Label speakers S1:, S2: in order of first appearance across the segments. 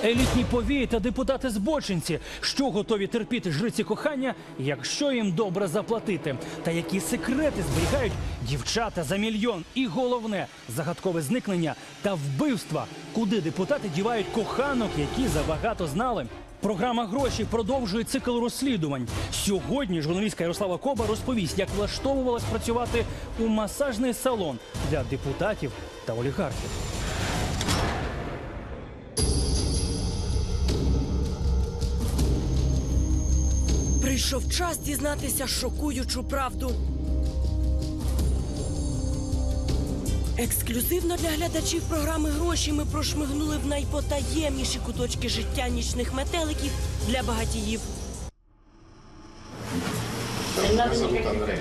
S1: Елітні повії та депутати-збочинці, що готові терпіти жриці кохання, якщо їм добре заплатити. Та які секрети зберігають дівчата за мільйон. І головне – загадкове зникнення та вбивства. Куди депутати дівають коханок, які забагато знали. Програма «Гроші» продовжує цикл розслідувань. Сьогодні журналістка Ярослава Коба розповість, як влаштовувалась працювати у масажний салон для депутатів та олігархів.
S2: Прийшов час дізнатися шокуючу правду. Ексклюзивно для глядачів програми «Гроші» ми прошмигнули в найпотаємніші куточки життя нічних метеликів для багатіїв.
S3: Меня зовут Андрей.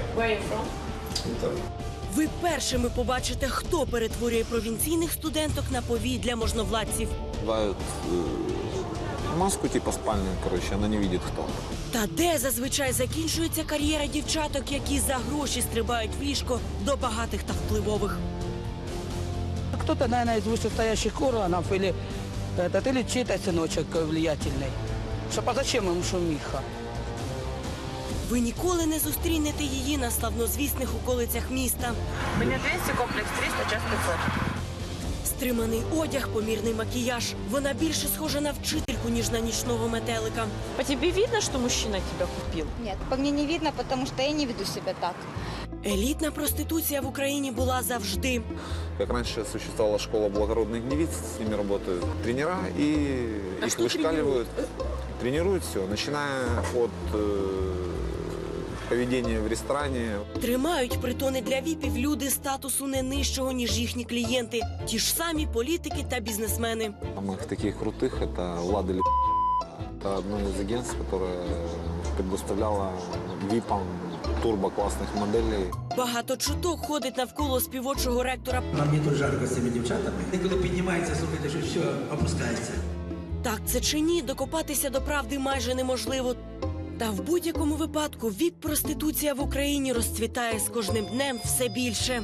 S2: Ви першими побачите, хто перетворює провінційних студенток на повій для можновладців.
S4: Дают маску типа спальную, короче, она не видит кто.
S2: Та де зазвичай закінчується кар'єра дівчаток, які за гроші стрибають в ліжко до багатих та впливових.
S5: Кто-то, наверное, из вышестоящих органов или чей-то сыночек влиятельный. А зачем ему шумиха?
S2: Ви ніколи не зустрінете її на славнозвісних околицях міста.
S6: Мені 200, комплекс 300, час 500.
S2: Стриманий одяг, помірний макіяж. Вона більше схожа на вчительку, ніж на нічного метелика.
S6: По тебе видно, что мужчина тебя купил?
S7: Нет, по мне не видно, потому что я не веду себя так.
S2: Елітна проституція в Україні була завжди.
S4: Как раньше существовала школа благородных девиц, с ними работают тренера и их вышкаливают. Тренируют все, начиная от поведения в ресторане.
S2: Тримають притони для віпів люди статусу не нижчого, ніж їхні клієнти. Ті ж самі політики та бізнесмени.
S4: Самых таких крутых это Лада Ли. Это одно из агентств, которое предоставляло ВИПам турбо-классных моделей.
S2: Багато чуток ходить навколо співочого ректора.
S8: Нам не тут жарко з цими дівчатами. І коли піднімається, слухайте, що все опускається.
S2: Так це чи ні, докопатися до правди майже неможливо. Та в будь-якому випадку віп-проституція в Україні розцвітає з кожним днем все більше.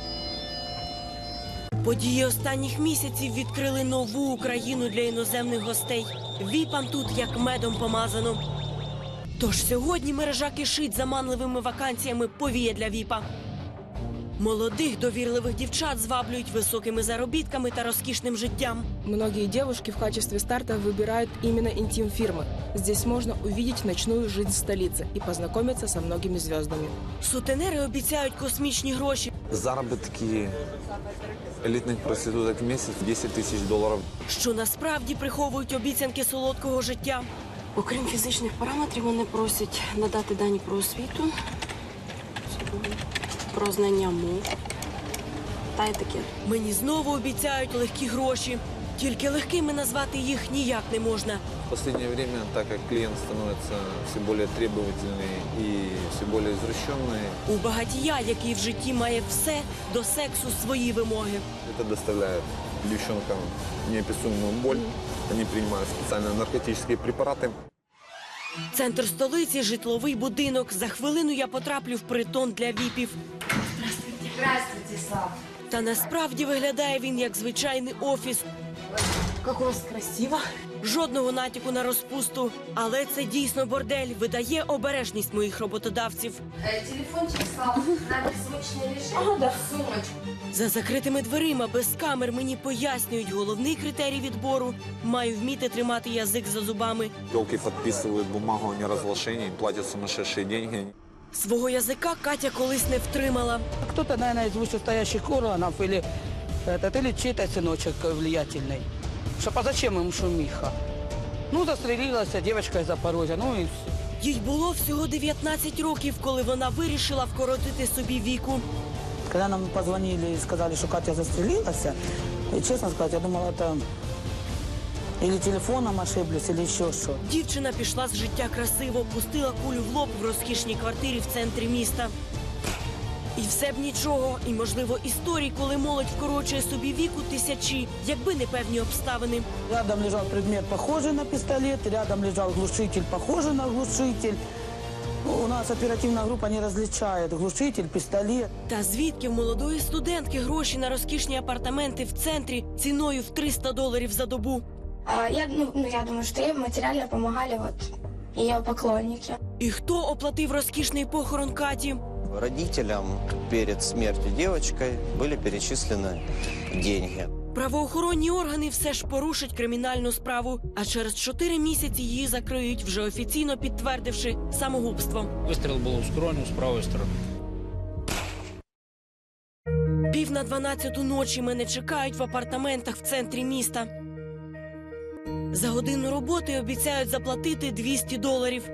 S2: Події останніх місяців відкрили нову Україну для іноземних гостей. Віпам тут як медом помазано. Тож сьогодні мережа кишить заманливими вакансіями повія для віпа. Молодих довірливих дівчат зваблюють високими заробітками та розкішним життям.
S9: Многие девушки в качестве старта выбирают именно интим-фирмы. Здесь можно увидеть ночную жизнь столицы и познакомиться со многими звездами.
S2: Сутенери обіцяють космічні гроші.
S4: Заработки элитных проституток в месяц 10 тысяч долларов.
S2: Що насправді приховують обіцянки солодкого життя.
S10: Окрім фізичних параметрів, вони просять надати дані про освіту, про знання мов та етикет.
S2: Мені знову обіцяють легкі гроші. Тільки легкими назвати їх ніяк не можна.
S4: В последнее время, так как клиент становится все более требовательный и все более извращенный,
S2: У багатія, який в житті має все, до сексу свої вимоги.
S4: это доставляет девчонкам неописуемую боль. Они принимают специальные наркотические препараты.
S2: Центр столиці – житловий будинок. За хвилину я потраплю в притон для віпів.
S7: Здравствуйте, Слав.
S2: Та насправді виглядає він як звичайний офіс.
S10: Як у вас красиво.
S2: Жодного натяку на розпусту. Але це дійсно бордель. Видає обережність моїх роботодавців.
S7: Телефончик, Слав, на беззвучный режим. Сумочку.
S2: За закритими дверима, без камер, мені пояснюють головний критерій відбору. Маю вміти тримати язик за зубами.
S4: Телки подписывают бумагу о неразглашении, платят сумасшедшие деньги.
S2: Свого язика Катя колись не втримала.
S5: Кто-то, наверное, из вышестоящих органов или чей-то сыночек влиятельный. А зачем ему шумиха? Ну, застрелилась девочка из Запорожья, ну и все.
S2: Їй було всього 19 років, коли вона вирішила вкоротити собі віку.
S5: Когда нам позвонили и сказали, что Катя застрелилась, и, честно сказать, я думала, это или телефоном ошиблись, или еще что.
S2: Дівчина пішла з життя красиво, пустила кулю в лоб в розкішній квартирі в центрі міста. І все б нічого, і, можливо, історій, коли молодь вкорочує собі віку тисячі, якби не певні обставини.
S5: Рядом лежал предмет, похожий на пистолет, рядом лежал глушитель, похожий на глушитель. У нас оперативная группа не различает глушитель, пистолет.
S2: Та звідки в молодої студентки гроші на розкішні апартаменти в центрі ціною в $300 за добу?
S7: Я думаю, что ей материально помогали ее поклонники.
S2: І хто оплатив розкішний похорон Каті?
S11: Родителям перед смертью девочкой были перечислены деньги.
S2: Правоохоронні органи все ж порушать кримінальну справу, а через 4 місяці її закриють, вже офіційно підтвердивши самогубство.
S12: Вистріл був у скроню з правої сторони.
S2: 11:50 ночі мене чекають в апартаментах в центрі міста. За годину роботи обіцяють заплатити $200.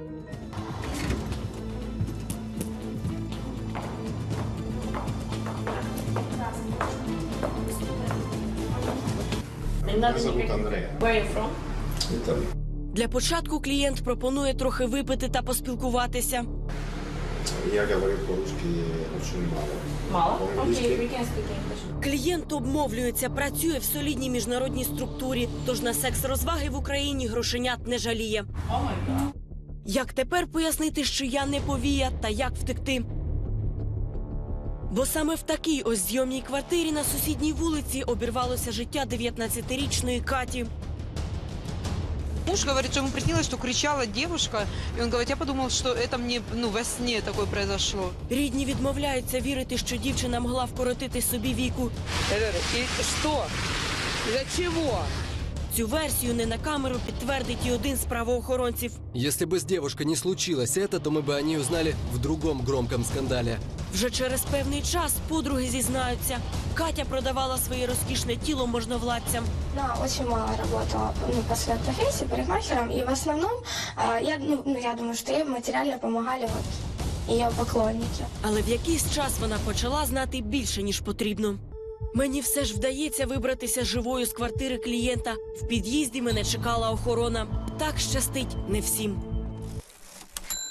S3: Меня зовут Андрей.
S6: Where are you from?
S3: Италия.
S2: Для початку клієнт пропонує трохи випити та поспілкуватися.
S3: Я говорю по-русски очень мало.
S6: Мало?
S3: По-английски.
S6: Окей, we can speak English.
S2: Клієнт обмовлюється, працює в солідній міжнародній структурі, тож на секс-розваги в Україні грошенят не жаліє.
S6: О май гад.
S2: Як тепер пояснити, що я не повія, та як втекти? Бо саме в такій ось зйомній квартирі на сусідній вулиці обірвалося життя 19-річної Каті.
S13: Муж говорит, что ему приснилось, что кричала девушка, и он говорит, я подумал, что это мне, во сне такое произошло.
S2: Рідні відмовляються вірити, що дівчина могла вкоротити собі віку.
S5: И что? Для чего?
S2: Цю версію не на камеру підтвердить і один з правоохоронців.
S14: Если бы с девушкой не случилось это, то мы бы о ней узнали в другом громком скандале.
S2: Вже через певний час подруги зізнаються. Катя продавала своє розкішне тіло можновладцям.
S7: Она очень мало работала по своей профессии парикмахером. И в основном, я думаю, что ей материально помогали ее поклонники.
S2: Але в якийсь час вона почала знати більше, ніж потрібно. Мені все ж вдається вибратися живою з квартири клієнта. В під'їзді мене чекала охорона. Так щастить не всім.